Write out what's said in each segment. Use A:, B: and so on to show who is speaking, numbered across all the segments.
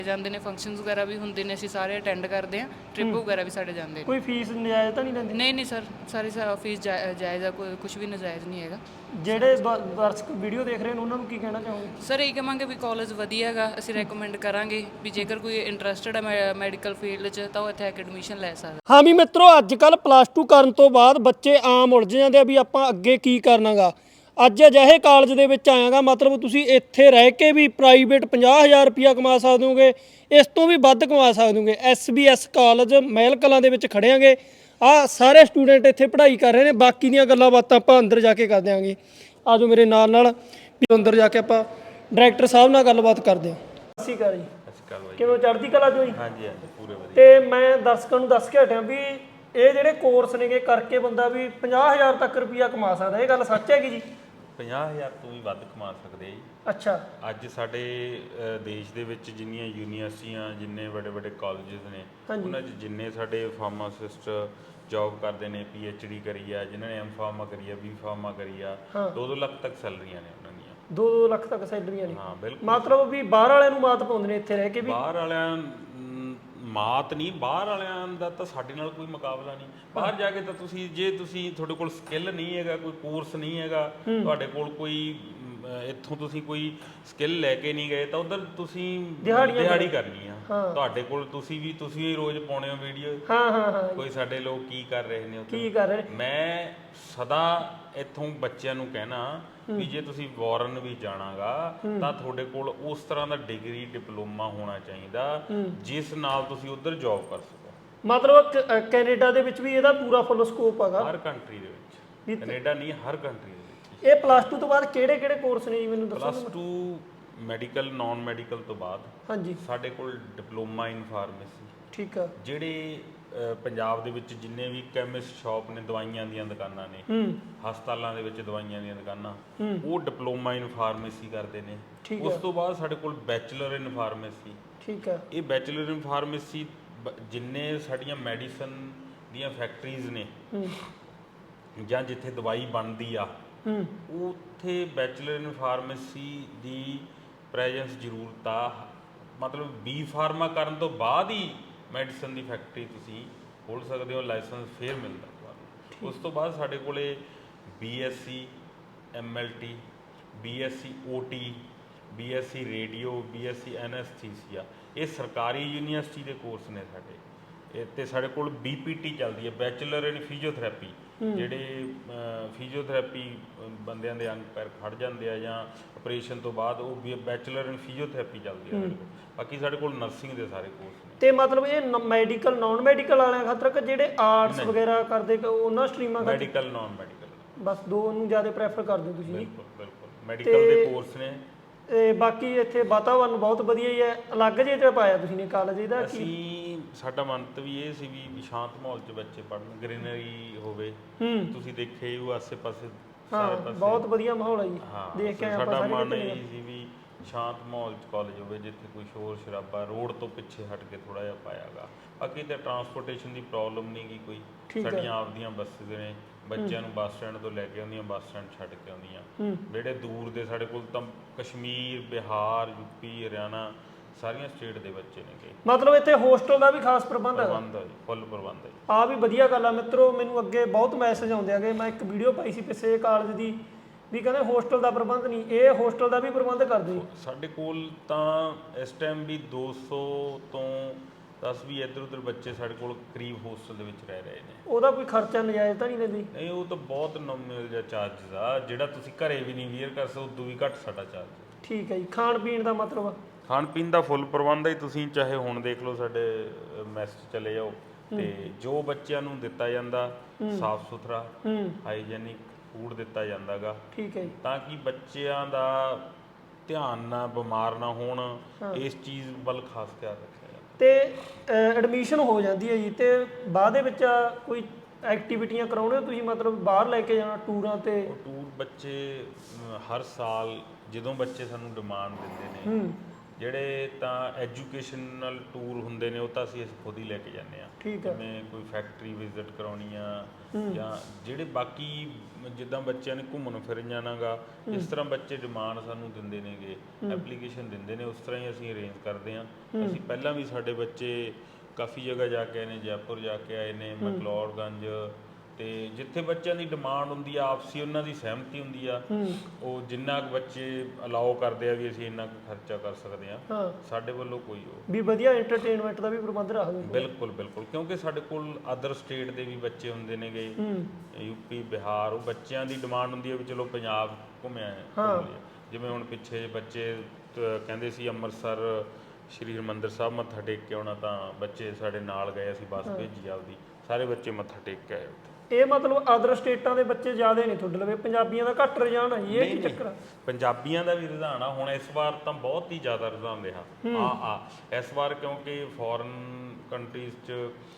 A: ਜਾਂਦੇ ਨੇ, ਫੰਕਸ਼ਨਸ ਵਗੈਰਾ ਵੀ ਹੁੰਦੇ ਨੇ, ਅਸੀਂ ਸਾਰੇ ਅਟੈਂਡ ਕਰਦੇ ਹਾਂ। ਟ੍ਰਿਪ ਵਗੈਰਾ ਵੀ ਸਾਡੇ ਜਾਂਦੇ ਨੇ।
B: ਕੋਈ ਫੀਸ ਨਜਾਇਜ਼ ਤਾਂ ਨਹੀਂ ਲੈਂਦੇ?
A: ਨਹੀਂ ਸਰ, ਸਾਰੀ ਫੀਸ ਜਾਇਜ਼ ਆ, ਕੋਈ ਕੁਝ ਵੀ ਨਜਾਇਜ਼ ਨਹੀਂ ਹੈਗਾ।
B: ਜਿਹੜੇ ਦਰਸ਼ਕ ਵੀਡੀਓ ਦੇਖ ਰਹੇ ਨੇ ਉਹਨਾਂ ਨੂੰ ਕੀ ਕਹਿਣਾ ਚਾਹੋਗੇ?
A: ਸਰ ਇਹ ਕਹਾਂਗੇ ਵੀ ਕਾਲਜ ਵਧੀਆ ਹੈਗਾ, ਅਸੀਂ ਰეკਮੈਂਡ ਕਰਾਂਗੇ ਵੀ ਜੇਕਰ ਕੋਈ ਇੰਟਰਸਟਡ ਹੈ ਮੈਡੀਕਲ ਫੀਲਡ 'ਚ ਤਾਂ ਉਹ ਇੱਥੇ ਆ ਕੇ ਐਡਮਿਸ਼ਨ ਲੈ ਸਕਦਾ।
B: ਹਾਂ ਵੀ ਮਿੱਤਰੋ, ਅੱਜ ਕੱਲ੍ਹ +2 ਕਰਨ ਤੋਂ ਬਾਅਦ ਬੱਚੇ ਆਮ ਉਲਝ ਜਾਂਦੇ ਆ ਵੀ ਆਪਾਂ ਅੱਗੇ ਕੀ ਕਰਨਾਗਾ। ਅੱਜ ਅਜਿਹੇ ਕਾਲਜ ਦੇ ਵਿੱਚ ਆਇਆਗਾ, ਮਤਲਬ ਤੁਸੀਂ ਇੱਥੇ ਰਹਿ ਕੇ ਵੀ ਪ੍ਰਾਈਵੇਟ 50,000 ਰੁਪਇਆ ਕਮਾ ਸਕਦੇ ਹੋਗੇ, ਇਸ ਤੋਂ ਵੀ ਵੱਧ ਕਮਾ ਸਕਦੇ ਹੋਗੇ। SBS ਕਾਲਜ ਮਹਿਲ ਕਲਾਂ ਦੇ ਵਿੱਚ ਖੜਿਆਂਗੇ। ਆਹ ਸਾਰੇ ਸਟੂਡੈਂਟ ਇੱਥੇ ਪੜ੍ਹਾਈ ਕਰ ਰਹੇ ਨੇ। ਬਾਕੀ ਦੀਆਂ ਗੱਲਾਂ ਬਾਤਾਂ ਆਪਾਂ ਅੰਦਰ ਜਾ ਕੇ ਕਰ ਦਿਆਂਗੇ। ਆ ਜਾਓ ਮੇਰੇ ਨਾਲ ਵੀ ਅੰਦਰ ਜਾ ਕੇ ਆਪਾਂ ਡਾਇਰੈਕਟਰ ਸਾਹਿਬ ਨਾਲ ਗੱਲਬਾਤ ਕਰਦੇ ਹਾਂ। ਸਤਿ ਸ਼੍ਰੀ ਅਕਾਲ ਜੀ।
C: ਸਤਿ ਸ਼੍ਰੀ ਅਕਾਲ ਬਾਈ।
B: ਕਿਵੇਂ ਚੜ੍ਹਦੀ ਕਲਾ ਚੋਂ ਜੀ?
C: ਹਾਂਜੀ ਹਾਂਜੀ, ਪੂਰੇ ਵਧੀਆ।
B: ਤੇ ਮੈਂ ਦਰਸ਼ਕਾਂ ਨੂੰ ਦੱਸ ਕੇ ਹਟਿਆ ਵੀ ਇਹ ਜਿਹੜੇ ਕੋਰਸ ਨੇਗੇ ਕਰਕੇ ਬੰਦਾ ਵੀ 50,000 ਤੱਕ ਰੁਪਈਆ ਕਮਾ ਸਕਦਾ। ਇਹ ਗੱਲ ਸੱਚ ਹੈਗੀ ਜੀ?
C: 50,000 ਤੋਂ ਵੀ ਵੱਧ ਕਮਾ ਸਕਦੇ ਆ ਜੀ।
B: ਅੱਛਾ।
C: ਅੱਜ ਸਾਡੇ ਦੇਸ਼ ਦੇ ਵਿੱਚ ਜਿੰਨੀਆਂ ਯੂਨੀਵਰਸਿਟੀਆਂ, ਜਿੰਨੇ ਵੱਡੇ ਵੱਡੇ ਕਾਲਜਸ ਨੇ, ਉਹਨਾਂ 'ਚ ਜਿੰਨੇ ਸਾਡੇ ਫਾਰਮਾਸਿਸਟ ਜੌਬ ਕਰਦੇ ਨੇ, PhD ਕਰੀ ਆ, ਜਿਨ੍ਹਾਂ ਨੇ M.Pharma ਕਰੀ ਆ, B.Pharma ਕਰੀ ਆ, 2-2 ਲੱਖ ਤੱਕ ਸੈਲਰੀਆਂ ਨੇ ਉਹਨਾਂ ਦੀਆਂ।
B: 2-2 ਲੱਖ ਤੱਕ ਸੈਲਰੀਆਂ ਨੇ?
C: ਹਾਂ ਬਿਲਕੁਲ।
B: ਮਤਲਬ ਵੀ ਬਾਹਰ ਵਾਲਿਆਂ ਨੂੰ ਮਾਤ ਪਾਉਂਦੇ ਨੇ ਇੱਥੇ ਰਹਿ ਕੇ ਵੀ?
C: ਬਾਹਰ ਵਾਲਿਆਂ ਮਾਤ ਨਹੀਂ, ਬਾਹਰ ਵਾਲਿਆਂ ਦਾ ਤਾਂ ਸਾਡੇ ਨਾਲ ਕੋਈ ਮੁਕਾਬਲਾ ਨਹੀਂ। ਬਾਹਰ ਜਾ ਕੇ ਤਾਂ ਤੁਸੀਂ, ਜੇ ਤੁਹਾਡੇ ਕੋਲ ਸਕਿੱਲ ਨਹੀਂ ਹੈਗਾ, ਕੋਈ ਕੋਰਸ ਨਹੀਂ ਹੈਗਾ, ਤੁਹਾਡੇ ਕੋਲ ਕੋਈ ਇੱਥੋਂ ਤੁਸੀਂ ਕੋਈ ਸਕਿੱਲ ਲੈ ਕੇ ਨਹੀਂ ਗਏ, ਤਾਂ ਉਧਰ ਤੁਸੀਂ ਦਿਹਾੜੀ ਕਰਨੀ ਆ। ਤੁਹਾਡੇ ਕੋਲ ਤੁਸੀਂ ਰੋਜ਼ ਪਾਉਣੇ ਹੋ ਵੀਡੀਓ। ਕੋਈ ਸਾਡੇ ਲੋਕ ਕੀ ਕਰ ਰਹੇ ਨੇ ਉੱਥੇ, ਕੀ ਕਰ ਰਹੇ ਨੇ। ਮੈਂ ਸਦਾ ਇੱਥੋਂ ਬੱਚਿਆਂ ਨੂੰ ਕਹਿਣਾ ਵੀ ਜੇ ਤੁਸੀਂ ਫੋਰਨ ਵੀ ਜਾਣਾਗਾ ਤਾਂ ਤੁਹਾਡੇ ਕੋਲ ਉਸ ਤਰ੍ਹਾਂ ਦਾ ਡਿਗਰੀ ਡਿਪਲੋਮਾ ਹੋਣਾ ਚਾਹੀਦਾ ਜਿਸ ਨਾਲ ਤੁਸੀਂ ਉੱਧਰ ਜੌਬ ਕਰ ਸਕੋ।
B: ਮਤਲਬ ਕੈਨੇਡਾ ਦੇ ਵਿੱਚ ਵੀ ਇਹਦਾ ਪੂਰਾ ਫੁੱਲ ਸਕੋਪ ਹੈਗਾ?
C: ਹਰ ਕੰਟਰੀ ਦੇ ਵਿੱਚ, ਕੈਨੇਡਾ ਨਹੀਂ, ਹਰ ਕੰਟਰੀ ਦੇ ਵਿੱਚ।
B: ਇਹ +2 ਤੋਂ ਬਾਅਦ ਕਿਹੜੇ ਕੋਰਸ ਨੇ ਜੀ, ਮੈਨੂੰ ਦੱਸੋ?
C: +2 ਮੈਡੀਕਲ, ਨਾਨ ਮੈਡੀਕਲ ਤੋਂ ਬਾਅਦ ਹਾਂਜੀ ਸਾਡੇ ਕੋਲ ਡਿਪਲੋਮਾ ਇਨ ਫਾਰਮੇਸੀ।
B: ਠੀਕ ਆ।
C: ਜਿਹੜੇ ਪੰਜਾਬ ਦੇ ਵਿੱਚ ਜਿੰਨੇ ਵੀ ਕੈਮਿਸਟ ਸ਼ਾਪ ਨੇ, ਦਵਾਈਆਂ ਦੀਆਂ ਦੁਕਾਨਾਂ ਨੇ, ਹਸਪਤਾਲਾਂ ਦੇ ਵਿੱਚ ਦਵਾਈਆਂ ਦੀਆਂ ਦੁਕਾਨਾਂ, ਉਹ ਡਿਪਲੋਮਾ ਇਨ ਫਾਰਮੇਸੀ ਕਰਦੇ ਨੇ। ਉਸ ਤੋਂ ਬਾਅਦ ਸਾਡੇ ਕੋਲ ਬੈਚਲਰ ਇਨ ਫਾਰਮੇਸੀ। ਠੀਕ ਆ। ਇਹ ਬੈਚਲਰ ਇਨ ਫਾਰਮੇਸੀ ਜਿੰਨੇ ਸਾਡੀਆਂ ਮੈਡੀਸਨ ਦੀਆਂ ਫੈਕਟਰੀਜ਼ ਨੇ ਜਾਂ ਜਿੱਥੇ ਦਵਾਈ ਬਣਦੀ ਆ, ਉੱਥੇ ਬੈਚਲਰ ਇਨ ਫਾਰਮੇਸੀ ਦੀ ਪ੍ਰੈਜ਼ੈਂਸ ਜ਼ਰੂਰਤ ਆ। ਮਤਲਬ B.Pharma ਕਰਨ ਤੋਂ ਬਾਅਦ ਹੀ ਮੈਡੀਸਨ ਦੀ ਫੈਕਟਰੀ ਤੁਸੀਂ ਖੋਲ੍ਹ ਸਕਦੇ ਹੋ, ਲਾਇਸੈਂਸ ਫਿਰ ਮਿਲਦਾ ਤੁਹਾਨੂੰ। ਉਸ ਤੋਂ ਬਾਅਦ ਸਾਡੇ ਕੋਲੇ BSc MLT, BSc OT, BSc radio, BSc anaesthesia, ਇਹ ਸਰਕਾਰੀ ਯੂਨੀਵਰਸਿਟੀ ਦੇ ਕੋਰਸ ਨੇ ਸਾਡੇ। ਤੇ ਸਾਡੇ ਕੋਲ BPT ਚੱਲਦੀ ਹੈ, ਬੈਚਲਰ ਇਨ ਫਿਜ਼ੀਓਥੈਰੇਪੀ। ਜਿਹੜੇ ਫਿਜ਼ੀਓਥੈਰੇਪੀ ਬੰਦਿਆਂ ਦੇ ਅੰਗ ਪੈਰ ਖੜ ਜਾਂਦੇ ਆ ਜਾਂ ਆਪਰੇਸ਼ਨ ਤੋਂ ਬਾਅਦ, ਉਹ ਬੈਚਲਰ ਇਨ ਫਿਜ਼ੀਓਥੈਰੇਪੀ ਚੱਲਦੀ ਹੈ ਸਾਡੇ ਕੋਲ। ਬਾਕੀ ਸਾਡੇ ਕੋਲ ਨਰਸਿੰਗ ਦੇ ਸਾਰੇ ਕੋਰਸ ਨੇ। ਤੇ ਮਤਲਬ ਇਹ ਮੈਡੀਕਲ ਨਾਨ ਮੈਡੀਕਲ ਵਾਲਿਆਂ ਖਾਤਰ ਕਿ ਜਿਹੜੇ ਆਰਟਸ ਵਗੈਰਾ ਕਰਦੇ ਉਹਨਾਂ ਸਟਰੀਮਾਂ? ਮੈਡੀਕਲ ਨਾਨ ਮੈਡੀਕਲ, ਬਸ ਦੋ ਨੂੰ ਜ਼ਿਆਦਾ ਪ੍ਰੈਫਰ ਕਰਦੇ ਹੋ ਤੁਸੀਂ? ਬਿਲਕੁਲ ਬਿਲਕੁਲ, ਮੈਡੀਕਲ ਦੇ ਕੋਰਸ ਨੇ। ਤੇ ਬਾਕੀ ਇੱਥੇ ਵਾਤਾਵਰਨ ਬਹੁਤ ਵਧੀਆ ਹੀ ਹੈ। ਅਲੱਗ ਜਿਹੇ ਤੇ ਪਾਇਆ ਤੁਸੀਂ ਨੇ ਕਾਲਜ ਇਹਦਾ? ਅਸੀਂ ਸਾਡਾ ਮੰਤ ਵੀ ਇਹ ਸੀ ਵੀ ਸ਼ਾਂਤ ਮਾਹੌਲ 'ਚ ਬੱਚੇ ਪੜ੍ਹਨ, ਗ੍ਰੀਨਰੀ ਹੋਵੇ। ਤੁਸੀਂ ਦੇਖੇ ਉਹ ਆਸੇ ਪਾਸੇ ਸਾਰੇ ਪਾਸੇ ਬਹੁਤ ਵਧੀਆ ਮਾਹੌਲ ਹੈ ਜੀ, ਦੇਖ ਕੇ ਸਾਡਾ ਮਨ ਇਹ ਸੀ ਵੀ ਸ਼ਾਂਤ ਮਾਹੌਲ 'ਚ ਕਾਲਜ ਹੋਵੇ, ਜਿੱਥੇ ਕੋਈ ਸ਼ੋਰ ਸ਼ਰਾਬਾ, ਰੋਡ ਤੋਂ ਪਿੱਛੇ ਹਟ ਕੇ ਥੋੜ੍ਹਾ ਜਿਹਾ ਪਾਇਆਗਾ। ਬਾਕੀ ਤਾਂ ਟਰਾਂਸਪੋਰਟੇਸ਼ਨ ਦੀ ਪ੍ਰੋਬਲਮ ਨਹੀਂ ਗੀ ਕੋਈ। ਸਾਡੀਆਂ ਆਪਦੀਆਂ ਬੱਸਿਸ ਨੇ, ਬੱਚਿਆਂ ਨੂੰ ਬੱਸ ਸਟੈਂਡ ਤੋਂ ਲੈ ਕੇ ਆਉਂਦੀਆਂ, ਬੱਸ ਸਟੈਂਡ ਛੱਡ ਕੇ ਆਉਂਦੀਆਂ। ਜਿਹੜੇ ਦੂਰ ਦੇ ਸਾਡੇ ਕੋਲ ਤਾਂ ਕਸ਼ਮੀਰ, ਬਿਹਾਰ, UP, ਹਰਿਆਣਾ, ਸਾਰੀਆਂ ਸਟੇਟ ਦੇ ਬੱਚੇ ਨੇਗੇ। ਮਤਲਬ ਇੱਥੇ ਹੋਸਟਲ ਦਾ ਵੀ ਖਾਸ ਪ੍ਰਬੰਧ ਹੈ? ਪ੍ਰਬੰਧ ਹੈ ਜੀ, ਫੁੱਲ ਪ੍ਰਬੰਧ ਹੈ। ਆਹ ਵੀ ਵਧੀਆ ਗੱਲ ਆ ਮਿੱਤਰੋ। ਮੈਨੂੰ ਅੱਗੇ ਬਹੁਤ ਮੈਸੇਜ ਆਉਂਦੇ ਹੈਗੇ, ਮੈਂ ਇੱਕ ਵੀਡੀਓ ਪਾਈ ਸੀ ਪਿੱਛੇ ਕਾਲਜ ਦੀ, ਵੀ ਕਹਿੰਦੇ ਹੋਸਟਲ ਦਾ ਪ੍ਰਬੰਧ ਨਹੀਂ। ਇਹ ਹੋਸਟਲ ਦਾ ਵੀ ਪ੍ਰਬੰਧ ਕਰਦੇ ਜੀ? ਸਾਡੇ ਕੋਲ ਤਾਂ ਇਸ ਟਾਈਮ ਵੀ 200 ਤੋਂ 10 ਵੀ ਇੱਧਰ ਉੱਧਰ ਬੱਚੇ ਸਾਡੇ ਕੋਲ ਕਰੀਬ ਹੋਸਟਲ ਦੇ ਵਿੱਚ ਰਹਿ ਰਹੇ ਨੇ। ਉਹਦਾ ਕੋਈ ਖਰਚਾ ਨਜਾਇਜ਼ ਤਾਂ ਨਹੀਂ ਲੈਂਦੇ? ਨਹੀਂ, ਉਹ ਤਾਂ ਬਹੁਤ ਨੋਮੀਨਲ ਜਿਹਾ ਚਾਰਜਸ ਆ, ਜਿਹੜਾ ਤੁਸੀਂ ਘਰੇ ਵੀ ਨਹੀਂ ਵੀਅਰ ਕਰ ਸਕਦੇ, ਉਦੋਂ ਵੀ ਘੱਟ ਸਾਡਾ ਚਾਰਜ। ਠੀਕ ਹੈ ਜੀ। ਖਾਣ ਪੀਣ ਦਾ ਮਤਲਬ? ਖਾਣ ਪੀਣ ਦਾ ਫੁੱਲ ਪ੍ਰਬੰਧ ਹੈ। ਤੁਸੀਂ ਚਾਹੇ ਹੁਣ ਦੇਖ ਲਓ, ਸਾਡੇ ਮੈਸ ਚਲੇ ਜਾਓ ਤੇ ਜੋ ਬੱਚਿਆਂ ਨੂੰ ਦਿੱਤਾ ਜਾਂਦਾ ਸਾਫ ਸੁਥਰਾ ਹਾਈਜੈਨਿਕ ਫੂਡ ਦਿੱਤਾ ਜਾਂਦਾ ਗਾ। ਠੀਕ ਹੈ ਜੀ। ਤਾਂ ਕਿ ਬੱਚਿਆਂ ਦਾ ਧਿਆਨ ਨਾ, ਬਿਮਾਰ ਨਾ ਹੋਣ, ਇਸ ਚੀਜ਼ ਵੱਲ ਖਾਸ ਖਿਆਲ ਰੱਖਿਆ ਜਾਂਦਾ। ਤੇ ਐਡਮਿਸ਼ਨ ਹੋ ਜਾਂਦੀ ਹੈ ਜੀ, ਤੇ ਬਾਅਦ ਦੇ ਵਿੱਚ ਕੋਈ ਐਕਟੀਵਿਟੀਆਂ ਕਰਾਉਣੇ ਹੋ ਤੁਸੀਂ? ਮਤਲਬ ਬਾਹਰ ਲੈ ਕੇ ਜਾਣਾ ਟੂਰਾਂ ਤੇ? ਟੂਰ ਬੱਚੇ ਹਰ ਸਾਲ ਜਦੋਂ ਬੱਚੇ ਸਾਨੂੰ ਡਿਮਾਂਡ ਦਿੰਦੇ ਨੇ, ਜਿਹੜੇ ਤਾਂ ਐਜੂਕੇਸ਼ਨਲ ਟੂਰ ਹੁੰਦੇ ਨੇ ਉਹ ਤਾਂ ਅਸੀਂ ਖੁਦ ਹੀ ਲੈ ਕੇ ਜਾਂਦੇ ਆ।
B: ਠੀਕ ਹੈ।
C: ਜਿਵੇਂ ਕੋਈ ਫੈਕਟਰੀ ਵਿਜ਼ਿਟ ਕਰਾਉਣੀ ਆ ਜਾਂ ਜਿਹੜੇ ਬਾਕੀ ਜਿੱਦਾਂ ਬੱਚਿਆਂ ਨੇ ਘੁੰਮਣ ਫਿਰਨ ਜਾਣਾਗਾ, ਇਸ ਤਰ੍ਹਾਂ ਬੱਚੇ ਡਿਮਾਂਡ ਸਾਨੂੰ ਦਿੰਦੇ ਨੇਗੇ, ਐਪਲੀਕੇਸ਼ਨ ਦਿੰਦੇ ਨੇ, ਉਸ ਤਰ੍ਹਾਂ ਹੀ ਅਸੀਂ ਅਰੇਂਜ ਕਰਦੇ ਹਾਂ। ਅਸੀਂ ਪਹਿਲਾਂ ਵੀ ਸਾਡੇ ਬੱਚੇ ਕਾਫੀ ਜਗ੍ਹਾ ਜਾ ਕੇ ਆਏ ਨੇ, ਜੈਪੁਰ ਜਾ ਕੇ ਆਏ ਨੇ, ਮਕਲੌੜਗੰਜ, ਤੇ ਜਿੱਥੇ ਬੱਚਿਆਂ ਦੀ ਡਿਮਾਂਡ ਹੁੰਦੀ ਆ, ਆਪਸੀ ਉਹਨਾਂ ਦੀ ਸਹਿਮਤੀ ਹੁੰਦੀ ਆ, ਉਹ ਜਿੰਨਾ ਕੁ ਬੱਚੇ ਅਲਾਓ ਕਰਦੇ ਆ ਵੀ ਅਸੀਂ ਇੰਨਾ ਕੁ ਖਰਚਾ ਕਰ ਸਕਦੇ ਆ, ਸਾਡੇ ਵੱਲੋਂ ਕੋਈ ਉਹ
B: ਵੀ ਵਧੀਆ ਐਂਟਰਟੇਨਮੈਂਟ ਦਾ ਵੀ ਪ੍ਰਬੰਧ ਰੱਖਦੇ।
C: ਬਿਲਕੁਲ ਬਿਲਕੁਲ, ਕਿਉਂਕਿ ਸਾਡੇ ਕੋਲ ਅਦਰ ਸਟੇਟ ਦੇ ਵੀ ਬੱਚੇ ਹੁੰਦੇ ਨੇਗੇ, ਯੂਪੀ, ਬਿਹਾਰ, ਉਹ ਬੱਚਿਆਂ ਦੀ ਡਿਮਾਂਡ ਹੁੰਦੀ ਹੈ ਵੀ ਚਲੋ ਪੰਜਾਬ ਘੁੰਮਿਆ। ਜਿਵੇਂ ਹੁਣ ਪਿੱਛੇ ਬੱਚੇ ਕਹਿੰਦੇ ਸੀ ਅੰਮ੍ਰਿਤਸਰ ਸ਼੍ਰੀ ਹਰਿਮੰਦਰ ਸਾਹਿਬ ਮੱਥਾ ਟੇਕ ਕੇ ਆਉਣਾ, ਤਾਂ ਬੱਚੇ ਸਾਡੇ ਨਾਲ ਗਏ, ਅਸੀਂ ਬੱਸ ਭੇਜੀ ਆਪਦੀ, ਸਾਰੇ ਬੱਚੇ ਮੱਥਾ ਟੇਕ ਕੇ ਆਏ ਉੱਥੇ। ਇਹ
B: ਮਤਲਬ ਅਦਰ ਸਟੇਟਾਂ ਦੇ ਬੱਚੇ ਜ਼ਿਆਦਾ ਨੇ ਤੁਹਾਡੇ ਲਵੇ, ਪੰਜਾਬੀਆਂ ਦਾ ਘੱਟ ਰੁਝਾਨ ਹੈ ਜੀ, ਇਹ ਕੀ ਚੱਕਰ ਆ?
C: ਪੰਜਾਬੀਆਂ ਦਾ ਵੀ ਰੁਝਾਨ ਆ ਹੁਣ ਇਸ ਵਾਰ, ਤਾਂ ਬਹੁਤ ਹੀ ਜ਼ਿਆਦਾ ਰੁਝਾਨ ਰਿਹਾ ਇਸ ਵਾਰ, ਕਿਉਂਕਿ ਫੋਰਨ ਕੰਟਰੀਜ਼ 'ਚ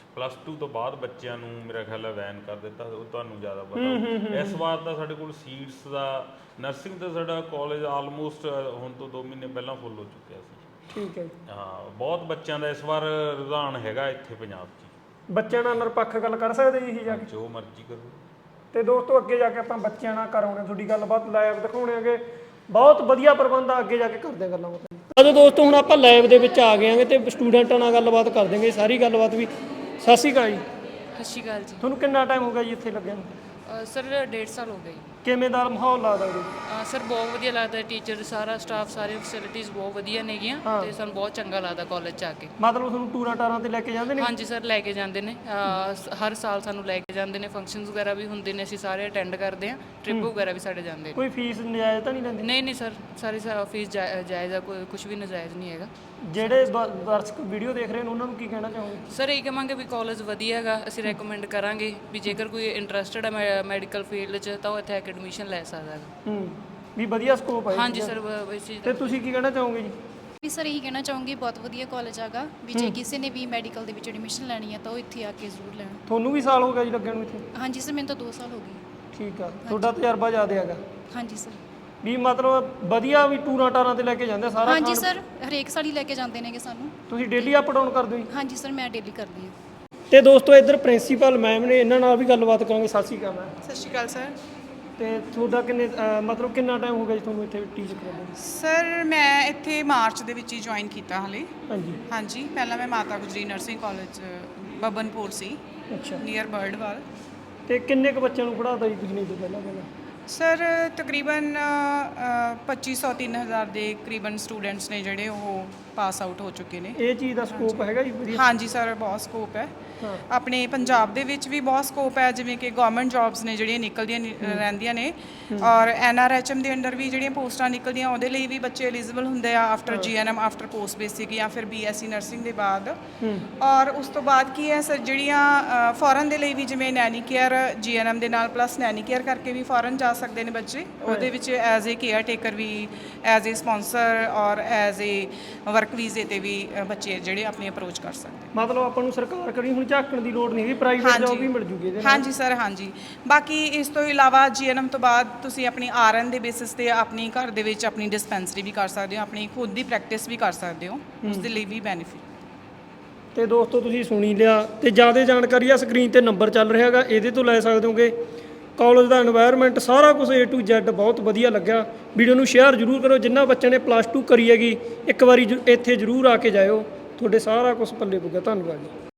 C: +2 ਤੋਂ ਬਾਅਦ ਬੱਚਿਆਂ ਨੂੰ ਮੇਰਾ ਖਿਆਲ ਹੈ ਵੈਨ ਕਰ ਦਿੱਤਾ, ਉਹ ਤੁਹਾਨੂੰ ਜ਼ਿਆਦਾ ਪਤਾ। ਇਸ ਵਾਰ ਤਾਂ ਸਾਡੇ ਕੋਲ ਸੀਟਸ ਦਾ ਨਰਸਿੰਗ ਦਾ ਸਾਡਾ ਕਾਲਜ ਆਲਮੋਸਟ ਹੁਣ ਤੋਂ 2 ਮਹੀਨੇ ਪਹਿਲਾਂ ਫੁੱਲ ਹੋ ਚੁੱਕਿਆ ਸੀ।
B: ਠੀਕ ਹੈ।
C: ਹਾਂ, ਬਹੁਤ ਬੱਚਿਆਂ ਦਾ ਇਸ ਵਾਰ ਰੁਝਾਨ ਹੈਗਾ ਇੱਥੇ ਪੰਜਾਬ 'ਚ।
B: ਬੱਚਿਆਂ ਨਾਲ ਨਿਰਪੱਖ ਗੱਲ ਕਰ ਸਕਦੇ ਜੀ ਜਾ ਕੇ?
C: ਜੋ ਮਰਜ਼ੀ ਕਰੋ।
B: ਤੇ ਦੋਸਤੋ ਅੱਗੇ ਜਾ ਕੇ ਆਪਾਂ ਬੱਚਿਆਂ ਨਾਲ ਕਰਾਉਣੇ ਤੁਹਾਡੀ ਗੱਲਬਾਤ, ਲਾਈਵ ਦਿਖਾਉਣੇ ਹੈਗੇ, ਬਹੁਤ ਵਧੀਆ ਪ੍ਰਬੰਧ ਆ, ਅੱਗੇ ਜਾ ਕੇ ਕਰਦੇ ਗੱਲਾਂ ਬਾਤਾਂ। ਅੱਜ ਦੋਸਤੋ ਹੁਣ ਆਪਾਂ ਲਾਈਵ ਦੇ ਵਿੱਚ ਆ ਗਏ ਆਂਗੇ ਤੇ ਸਟੂਡੈਂਟਾਂ ਨਾਲ ਗੱਲਬਾਤ ਕਰ ਦੇਂਗੇ, ਸਾਰੀ ਗੱਲਬਾਤ ਵੀ। ਸਤਿ ਸ਼੍ਰੀ ਅਕਾਲ ਜੀ।
A: ਸਤਿ ਸ਼੍ਰੀ ਅਕਾਲ ਜੀ।
B: ਤੁਹਾਨੂੰ ਕਿੰਨਾ ਟਾਈਮ ਹੋ ਗਿਆ ਜੀ ਇੱਥੇ ਲੱਗਿਆ ਨੂੰ?
A: ਸਰ 1.5 ਸਾਲ ਹੋ ਗਏ।
B: ਕਿਵੇਂ ਦਾ ਮਾਹੌਲ ਲੱਗਦਾ ਜੀ?
A: ਸਰ ਬਹੁਤ ਵਧੀਆ ਲੱਗਦਾ, ਟੀਚਰ, ਸਾਰਾ ਸਟਾਫ, ਸਾਰੇ ਫੈਸਿਲਿਟੀਜ਼ ਬਹੁਤ ਵਧੀਆ ਨੇਗੀਆਂ ਤੇ ਸਾਨੂੰ ਬਹੁਤ ਚੰਗਾ ਲੱਗਦਾ ਕਾਲਜ 'ਚ ਆ ਕੇ।
B: ਮਤਲਬ ਤੁਹਾਨੂੰ ਟੂਰਾਂ ਟਾਰਾਂ ਤੇ ਲੈ ਕੇ ਜਾਂਦੇ ਨੇ?
A: ਹਾਂਜੀ ਸਰ, ਲੈ ਕੇ ਜਾਂਦੇ ਨੇ, ਹਰ ਸਾਲ ਸਾਨੂੰ ਲੈ ਕੇ ਜਾਂਦੇ ਨੇ, ਫੰਕਸ਼ਨਸ ਵਗੈਰਾ ਵੀ ਹੁੰਦੇ ਨੇ, ਅਸੀਂ ਸਾਰੇ ਅਟੈਂਡ ਕਰਦੇ ਹਾਂ, ਟ੍ਰਿਪ ਵਗੈਰਾ ਵੀ ਸਾਡੇ ਜਾਂਦੇ ਨੇ।
B: ਕੋਈ ਫੀਸ ਨਜਾਇਜ਼ ਤਾਂ ਨਹੀਂ ਲੈਂਦੇ?
A: ਨਹੀਂ ਸਰ, ਸਾਰੀ ਫੀਸ ਜਾਇਜ਼ ਆ, ਕੋਈ ਕੁਝ ਵੀ ਨਜਾਇਜ਼ ਨਹੀਂ ਹੈਗਾ।
B: ਜਿਹੜੇ ਦਰਸ਼ਕ ਵੀਡੀਓ ਦੇਖ ਰਹੇ ਨੇ ਉਹਨਾਂ ਨੂੰ ਕੀ ਕਹਿਣਾ ਚਾਹੋਗੇ?
A: ਸਰ ਇਹ ਕਹਾਂਗੇ ਵੀ ਕਾਲਜ ਵਧੀਆ ਹੈਗਾ, ਅਸੀਂ ਰეკਮੈਂਡ ਕਰਾਂਗੇ ਵੀ ਜੇਕਰ ਕੋਈ ਇੰਟਰਸਟਡ ਹੈ ਮੈਡੀਕਲ ਫੀਲਡ 'ਚ ਤਾਂ ਉਹ ਇੱਥੇ ਐਡਮਿਸ਼ਨ ਲੈ ਸਕਦਾ ਹੈ।
B: ਵੀ ਵਧੀਆ ਸਕੋਪ ਹੈ?
A: ਹਾਂਜੀ ਸਰ।
B: ਤੇ ਤੁਸੀਂ ਕੀ ਕਹਿਣਾ ਚਾਹੋਗੇ ਜੀ?
D: ਵੀ ਸਰ ਇਹੀ ਕਹਿਣਾ ਚਾਹੂੰਗੀ, ਬਹੁਤ ਵਧੀਆ ਕਾਲਜ ਹੈਗਾ, ਵੀ ਜੇ ਕਿਸੇ ਨੇ ਵੀ ਮੈਡੀਕਲ ਦੇ ਵਿੱਚ ਐਡਮਿਸ਼ਨ ਲੈਣੀ ਹੈ ਤਾਂ ਉਹ ਇੱਥੇ ਆ ਕੇ ਜ਼ਰੂਰ ਲੈਣ।
B: ਤੁਹਾਨੂੰ ਵੀ ਸਾਲ ਹੋ ਗਿਆ ਜੀ ਲੱਗਣ ਨੂੰ ਇੱਥੇ?
D: ਹਾਂਜੀ ਸਰ, ਮੈਨੂੰ ਤਾਂ 2 ਸਾਲ ਹੋ ਗਏ।
B: ਠੀਕ ਆ, ਤੁਹਾਡਾ ਤਜਰਬਾ ਜ਼ਿਆਦਾ ਹੈਗਾ?
D: ਹਾਂਜੀ ਸਰ।
B: ਵੀ ਮਤਲਬ ਵਧੀਆ ਵੀ ਟੂਰਾਂ ਟਾਰਾਂ ਤੇ ਲੈ ਕੇ ਜਾਂਦੇ ਸਾਰਾ?
D: ਹਾਂਜੀ ਸਰ, ਹਰੇਕ ਸਾਲ ਹੀ ਲੈ ਕੇ ਜਾਂਦੇ ਨੇਗੇ ਸਾਨੂੰ।
B: ਤੁਸੀਂ ਡੇਲੀ ਅਪ ਡਾਊਨ ਕਰਦੇ ਹੋ ਜੀ?
D: ਹਾਂਜੀ ਸਰ, ਮੈਂ ਡੇਲੀ ਕਰਦੀ ਹਾਂ।
B: ਤੇ ਦੋਸਤੋ ਇੱਧਰ ਪ੍ਰਿੰਸੀਪਲ ਮੈਮ ਨੇ, ਇਹਨਾਂ ਨਾਲ ਵੀ ਗੱਲਬਾਤ ਕਰਾਂਗੇ। ਸਤਿ ਸ਼੍ਰੀ ਅਕਾਲ ਮੈਮ।
E: ਸਤਿ ਸ਼੍ਰੀ ਅਕਾਲ ਸਰ।
B: ਤੇ ਤੁਹਾਡਾ ਮਤਲਬ ਕਿੰਨਾ ਟਾਈਮ ਹੋ ਗਿਆ ਜੀ ਤੁਹਾਨੂੰ ਇੱਥੇ ਟੀਚ ਕਰਦੇ?
E: ਸਰ ਮੈਂ ਇੱਥੇ ਮਾਰਚ ਦੇ ਵਿੱਚ ਹੀ ਜੁਆਇਨ ਕੀਤਾ ਹਾਲੇ।
B: ਹਾਂਜੀ।
E: ਪਹਿਲਾਂ ਮੈਂ ਮਾਤਾ ਗੁਜਰੀ ਨਰਸਿੰਗ ਕਾਲਜ ਬਬਨਪੁਰ ਸੀ,
B: ਅੱਛਾ।
E: ਨੀਅਰ ਬਰਡਵਾਲ।
B: ਤੇ ਕਿੰਨੇ ਕੁ ਬੱਚਿਆਂ ਨੂੰ ਪੜ੍ਹਾਤਾ ਜੀ ਤੁਸੀਂ ਨਹੀਂ ਤੋਂ ਪਹਿਲਾਂ?
E: ਸਰ ਤਕਰੀਬਨ 2500 3000 ਦੇ ਕਰੀਬਨ ਸਟੂਡੈਂਟਸ ਨੇ ਜਿਹੜੇ ਉਹ ਪਾਸ ਆਊਟ ਹੋ ਚੁੱਕੇ ਨੇ।
B: ਇਹ ਚੀਜ਼ ਦਾ ਸਕੋਪ ਹੈਗਾ ਜੀ ਵਧੀਆ?
E: ਹਾਂਜੀ ਸਰ, ਬਹੁਤ ਸਕੋਪ ਹੈ। ਆਪਣੇ ਪੰਜਾਬ ਦੇ ਵਿੱਚ ਵੀ ਬਹੁਤ ਸਕੋਪ ਹੈ, ਜਿਵੇਂ ਕਿ ਗਵਰਨਮੈਂਟ ਜੌਬਸ ਨੇ ਜਿਹੜੀਆਂ ਨਿਕਲਦੀਆਂ ਰਹਿੰਦੀਆਂ ਨੇ, ਔਰ NRHM ਦੇ ਅੰਡਰ ਵੀ ਜਿਹੜੀਆਂ ਪੋਸਟਾਂ ਨਿਕਲਦੀਆਂ ਉਹਦੇ ਲਈ ਵੀ ਬੱਚੇ ਐਲੀਜੀਬਲ ਹੁੰਦੇ ਆ after GNM, after post basic ਜਾਂ ਫਿਰ BSc ਨਰਸਿੰਗ ਦੇ ਬਾਅਦ। ਔਰ ਉਸ ਤੋਂ ਬਾਅਦ ਕੀ ਹੈ ਸਰ, ਜਿਹੜੀਆਂ ਫੋਰਨ ਦੇ ਲਈ ਵੀ ਜਿਵੇਂ ਨੈਨੀ ਕੇਅਰ GNM ਦੇ ਨਾਲ ਪਲੱਸ ਨੈਨੀ ਕੇਅਰ ਕਰਕੇ ਵੀ ਫੋਰਨ ਜਾ ਸਕਦੇ ਨੇ ਬੱਚੇ, ਉਹਦੇ ਵਿੱਚ ਐਜ਼ ਏ ਕੇਅਰ ਟੇਕਰ ਵੀ, ਐਜ਼ ਏ ਸਪਾਂਸਰ ਔਰ ਐਜ਼ ਏ ਵਰਕ ਵੀਜ਼ੇ ਤੇ ਵੀ ਬੱਚੇ ਜਿਹੜੇ ਆਪਣੀ ਅਪਰੋਚ ਕਰ ਸਕਦੇ।
B: ਮਤਲਬ ਆਪਾਂ ਨੂੰ ਸਰਕਾਰ ਕਰੀ ਹੁਣ ਝਾਕਣ ਦੀ ਲੋੜ ਨਹੀਂ ਹੈਗੀ, ਪ੍ਰਾਈਵੇਟ ਜੌਬ ਵੀ ਮਿਲ ਜੂਗੀ ਇਹਦੇ ਨਾਲ?
E: ਹਾਂਜੀ ਸਰ, ਹਾਂਜੀ। ਬਾਕੀ ਇਸ ਤੋਂ ਇਲਾਵਾ GNM ਤੋਂ ਬਾਅਦ ਤੁਸੀਂ ਆਪਣੀ RN ਦੇ ਬੇਸਿਸ ਤੇ ਆਪਣੀ ਘਰ ਦੇ ਵਿੱਚ ਆਪਣੀ ਡਿਸਪੈਂਸਰੀ ਵੀ ਕਰ ਸਕਦੇ ਹੋ, ਆਪਣੀ ਖੁਦ ਦੀ ਪ੍ਰੈਕਟਿਸ ਵੀ ਕਰ ਸਕਦੇ ਹੋ, ਉਸ ਦੇ ਲਈ ਵੀ ਬੈਨੀਫਿਟ।
B: ਤੇ ਦੋਸਤੋ ਤੁਸੀਂ ਸੁਣੀ ਲਿਆ, ਤੇ ਜ਼ਿਆਦਾ ਜਾਣਕਾਰੀ ਆ ਸਕਰੀਨ ਤੇ ਨੰਬਰ ਚੱਲ ਰਿਹਾ ਹੈਗਾ, ਇਹਦੇ ਤੋਂ ਲੈ ਸਕਦੇ ਹੋਗੇ। ਕਾਲਜ ਦਾ এনवायरमेंट ਸਾਰਾ ਕੁਝ A to Z ਬਹੁਤ ਵਧੀਆ ਲੱਗਿਆ। ਵੀਡੀਓ ਨੂੰ ਸ਼ੇਅਰ ਜ਼ਰੂਰ ਕਰੋ, ਜਿਨ੍ਹਾਂ ਬੱਚਿਆਂ ਨੇ +2 ਕਰੀ ਹੈਗੀ ਇੱਕ ਵਾਰੀ ਇੱਥੇ ਜ਼ਰੂਰ ਆ ਕੇ ਜਾਇਓ, ਤੁਹਾਡੇ ਸਾਰਾ ਕੁਝ ਪੱਲੇ ਪਊਗਾ। ਧੰਨਵਾਦ ਜੀ।